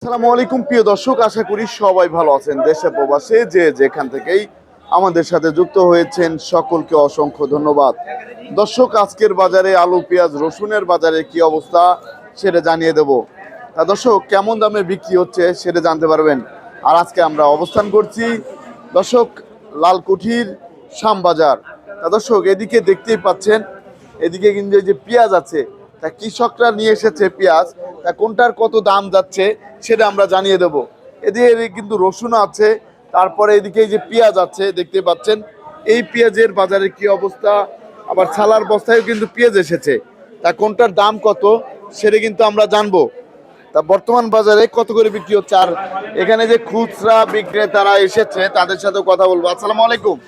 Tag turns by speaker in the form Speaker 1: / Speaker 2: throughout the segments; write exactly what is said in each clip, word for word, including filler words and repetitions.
Speaker 1: আসসালামু আলাইকুম প্রিয় দর্শক, আশা করি সবাই ভালো আছেন। দেশে প্রবাসে যে যেখান থেকেই আমাদের সাথে যুক্ত হয়েছেন সকলকে অসংখ্য ধন্যবাদ। দর্শক, আজকের বাজারে আলু, পেঁয়াজ, রসুনের বাজারে কি অবস্থা সেটা জানিয়ে দেব। তা দর্শক, কেমন দামে বিক্রি হচ্ছে সেটা জানতে পারবেন। আর আজকে আমরা অবস্থান করছি দর্শক লালকুঠির শ্যামবাজার। তা দর্শক, এদিকে দেখতেই পাচ্ছেন, এদিকে কিন্তু এই যে পেঁয়াজ আছে, তা কৃষকরা নিয়ে এসেছে পেঁয়াজ, তা কোনটার কত দাম যাচ্ছে সেটা আমরা জানিয়ে দেব। এদিকে কিন্তু রসুন আছে, তারপরে এদিকে এই যে পেঁয়াজ আছে দেখতে পাচ্ছেন, এই পেঁয়াজের বাজারে কি অবস্থা। আবার ছালার বস্তায়ও কিন্তু পেঁয়াজ এসেছে, তা কোনটার দাম কত সেটা কিন্তু আমরা জানবো। তা বর্তমান বাজারে কত করে বিক্রি হচ্ছে, আর এখানে যে খুচরা বিক্রেতারা এসেছে তাদের সাথে কথা বলবো। আসসালামু আলাইকুম।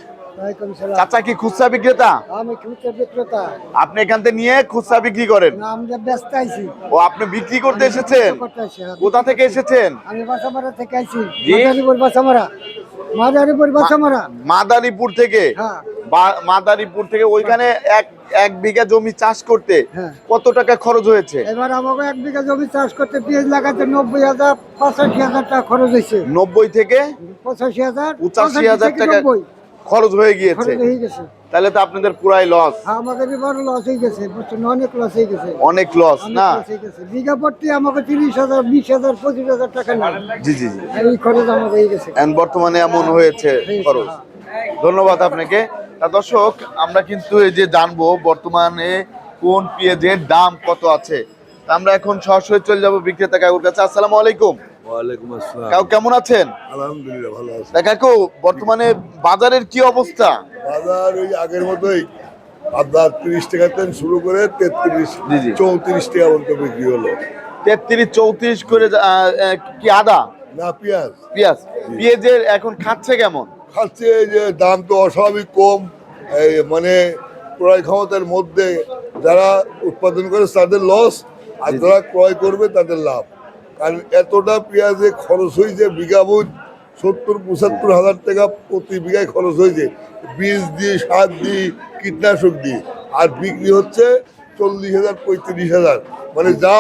Speaker 1: চাচা কি খুচরা বিক্রেতা?
Speaker 2: আমি খুচরা বিক্রেতা।
Speaker 1: আপনি এখান থেকে নিয়ে খুচরা বিক্রি করেন?
Speaker 2: না, আমরা ব্যস্ত আছি।
Speaker 1: ও, আপনি বিক্রি করতে এসেছেন? কোথা থেকে এসেছেন?
Speaker 2: আমি বাসামারা থেকে আইছি। মাদারীপুর বাসামারা। মাদারীপুর বাসামারা।
Speaker 1: মাদারীপুর থেকে?
Speaker 2: হ্যাঁ।
Speaker 1: মাদারীপুর থেকে ওইখানে এক এক বিঘা জমি চাষ করতে
Speaker 2: হ্যাঁ।
Speaker 1: কত টাকা খরচ হয়েছে?
Speaker 2: এবার আমাকে এক বিঘা জমি চাষ করতে পেঁয়াজ লাগাতে নব্বই হাজার পঁচাশি হাজার টাকা খরচ হয়েছে।
Speaker 1: নব্বই থেকে
Speaker 2: পঁচাশি হাজার
Speaker 1: পঁচাশি হাজার টাকা খরচ হয়ে গিয়েছে। তাহলে তো আপনাদের পুরাই লস।
Speaker 2: আমাদের এবার লস হয়ে গেছে, বুঝছেন, অনেক লস হয়ে গেছে।
Speaker 1: অনেক লস না?
Speaker 2: বিঘা প্রতি আমাকে তিরিশ হাজার বিশ হাজার পঁচিশ হাজার টাকা নেয়।
Speaker 1: জি জি জি,
Speaker 2: এই খরচ আমাকে হয়ে গেছে
Speaker 1: বর্তমানে এমন হয়েছে খরচ। ধন্যবাদ আপনাকে। তা দর্শক, আমরা কিন্তু এই যে জানবো বর্তমানে কোন পেঁয়াজের দাম কত আছে। তা আমরা এখন সরাসরি চলে যাবো বিক্রেতা কাকুর কাছে। আসসালামু আলাইকুম।
Speaker 3: ওয়ালাইকুম আসসালাম।
Speaker 1: কাকু কেমন আছেন?
Speaker 3: আলহামদুলিল্লাহ ভালো আছি।
Speaker 1: তা কাকু, বর্তমানে বাজারের কি অবস্থা?
Speaker 3: বাজার ওই আগের মতোই, আপনার তিরিশ টাকা থেকে শুরু করে তেত্রিশ
Speaker 1: জি জি।
Speaker 3: চৌত্রিশ টাকা পর্যন্ত বিক্রি হলো।
Speaker 1: তেত্রিশ চৌত্রিশ করে আহ, আহ, কি আদা?
Speaker 3: না, পেঁয়াজ
Speaker 1: পেঁয়াজ পেঁয়াজের এখন খাচ্ছে কেমন?
Speaker 3: খাচ্ছে এই যে দাম তো অস্বাভাবিক কম। এই মানে ক্রয় ক্ষমতার মধ্যে যারা উৎপাদন করে তাদের লস, আর যারা ক্রয় করবে তাদের লাভ। কারণ এতটা পেঁয়াজে খরচ হয়েছে, বিঘা বুঝ সত্তর পঁচাত্তর হাজার টাকা প্রতি বিঘায় খরচ হয়েছে, বীজ দিয়ে, সার দিয়ে, কীটনাশক দিয়ে, আর বিক্রি হচ্ছে চল্লিশ হাজার পঁয়ত্রিশ হাজার। মানে যা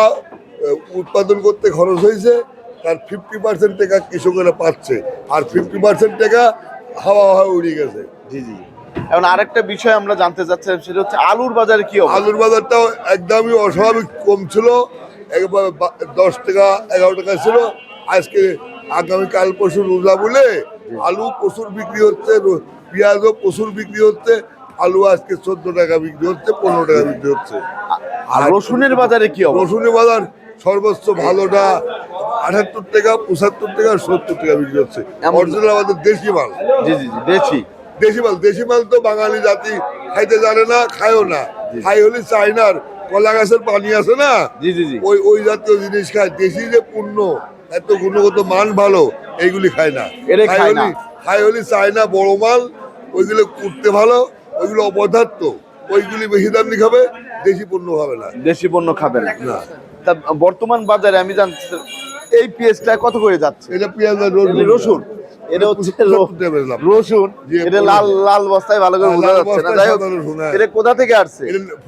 Speaker 3: উৎপাদন করতে খরচ হয়েছে তার ফিফটি পার্সেন্ট টাকা কৃষকেরা পাচ্ছে, আর ফিফটি পার্সেন্ট টাকা হাওয়া হাওয়া উড়ে গেছে।
Speaker 1: জি জি। এখন আরেকটা বিষয় আমরা জানতে চাচ্ছিলাম, সেটা হচ্ছে আলুর বাজারে কি অবস্থা?
Speaker 3: আলুর বাজারটাও একদমই অস্বাভাবিক কম ছিল, একবার দশ টাকা এগারো টাকা ছিল। আজকে আগামী কাল পরশু রোজা বলে আলু প্রচুর বিক্রি হচ্ছে, পেঁয়াজও প্রচুর বিক্রি হচ্ছে। আলু আজকে চোদ্দ টাকা বিক্রি হচ্ছে, পনেরো টাকা বিক্রি হচ্ছে।
Speaker 1: আর রসুনের বাজারে কি অবস্থা?
Speaker 3: রসুনের বাজার সর্বোচ্চ ভালোটা আটাত্তর টাকা, পঁচাত্তর টাকা, সত্তর টাকা বিক্রি হচ্ছে। অরিজিনাল আমাদের দেশি মাল।
Speaker 1: জি জি জি, দেশি
Speaker 3: দেশি মাল দেশি মাল তো বাঙালি জাতি খাইতে জানে না, খায়ও না। খাই হলে চাইনার কলা গাছের পানি আছে না,
Speaker 1: জি জি জি,
Speaker 3: ওই ওই জাতীয় জিনিস খায়। দেশি যে পূর্ণ এত গুণগত মান ভালো, এইগুলি খায় না। খাই হলি খাই হলি চায়না বড় মাল, ওইগুলো করতে ভালো, ওইগুলো অপদার্থ, ওইগুলি বেশি দাম দিয়ে খাবে, দেশি পণ্য খাবে না।
Speaker 1: দেশি পণ্য খাবে না।
Speaker 3: না।
Speaker 1: তা বর্তমান বাজারে আমি জানতে এই পেঁয়াজটা কত করে যাচ্ছে?
Speaker 3: এটা পেঁয়াজ আর
Speaker 1: রসুন, এটা হচ্ছে রসুন, এটা লাল লাল বস্তায় ভালো করে বোঝা যাচ্ছে না। যাই হোক, এটা কোথা থেকে আসছে?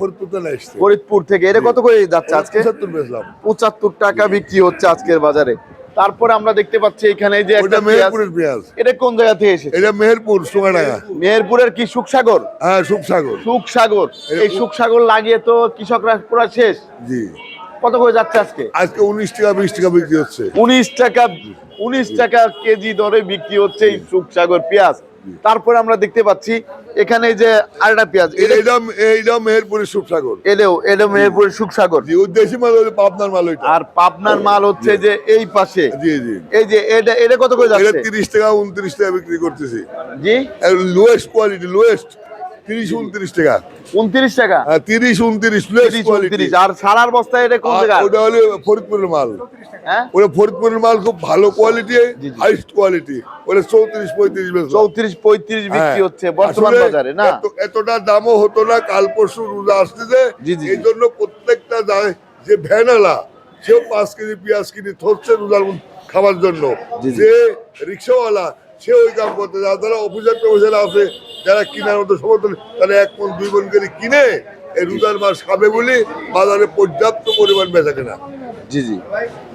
Speaker 1: ফরিদপুর থেকে। এটা কত করে যাচ্ছে আজকে? পঁচাত্তর টাকা বিক্রি হচ্ছে আজকের বাজারে। তারপরে আমরা দেখতে পাচ্ছি এখানে যে একটা
Speaker 3: মেহেরপুরের পেঁয়াজ।
Speaker 1: এটা কোন জায়গা থেকে এসেছে?
Speaker 3: এটা মেহেরপুর সোনাডাঙ্গা।
Speaker 1: মেহেরপুরের কি সুখসাগর?
Speaker 3: হ্যাঁ, সুখসাগর।
Speaker 1: সুখসাগর, এই সুখসাগর লাগিয়ে তো কৃষকরা পুরো শেষ।
Speaker 3: জি।
Speaker 1: কত করে যাচ্ছে আজকে?
Speaker 3: আজকে উনিশ টাকা বিশ টাকা বিক্রি হচ্ছে।
Speaker 1: উনিশ টাকা উনিশ টাকা কেজি দরে বিক্রি হচ্ছে এই সুখসাগর পেঁয়াজ। তারপরে আমরা দেখতে পাচ্ছি এখানে যে আরেকটা পেঁয়াজ,
Speaker 3: এইটা মেহেরপুরের সুখসাগর।
Speaker 1: এলেও এটা মেহেরপুরের সুখসাগর।
Speaker 3: দেশি মাল হলো পাবনার মাল।
Speaker 1: আর পাবনার মাল হচ্ছে যে এই পাশে।
Speaker 3: জি জি।
Speaker 1: এই যে এটা এটা কত করে যাচ্ছে?
Speaker 3: তিরিশ টাকা উনত্রিশ টাকা বিক্রি করতেছি।
Speaker 1: জি,
Speaker 3: লোয়েস্ট কোয়ালিটি, লোয়েস্ট তিরিশ উনত্রিশ টাকা।
Speaker 1: উনত্রিশ টাকা?
Speaker 3: তিরিশ উনত্রিশ।
Speaker 1: আর সারার বস্তায় এটা কোন জায়গা?
Speaker 3: ওটা হলো ফরিদপুরের মাল।
Speaker 1: হ্যাঁ,
Speaker 3: ওটা ফরিদপুরের মাল খুব ভালো কোয়ালিটি, হাইস্ট কোয়ালিটি। ওটা চৌত্রিশ পঁয়ত্রিশ
Speaker 1: চৌত্রিশ পঁয়ত্রিশ বিক্রি হচ্ছে বর্তমান বাজারে না?
Speaker 3: এতটা দামও হতো না। কাল পরশু রোজা আসতেছে, এই জন্য প্রত্যেকটা যে ভ্যানালা সেও পাঁচ কেজি পেঁয়াজ কিনে ধরছে রোজার খাবার জন্য। যে রিক্সাওয়ালা সে ওই কাম করতে, যারা অফিসার টফিসার আছে, যারা কিনার মতো সমর্থন, তারা এক মন দুই মন করে কিনে এই রোজার মাস খাবে বলে বাজারে পর্যাপ্ত পরিমাণ বেচা কেনা।
Speaker 1: জি জি।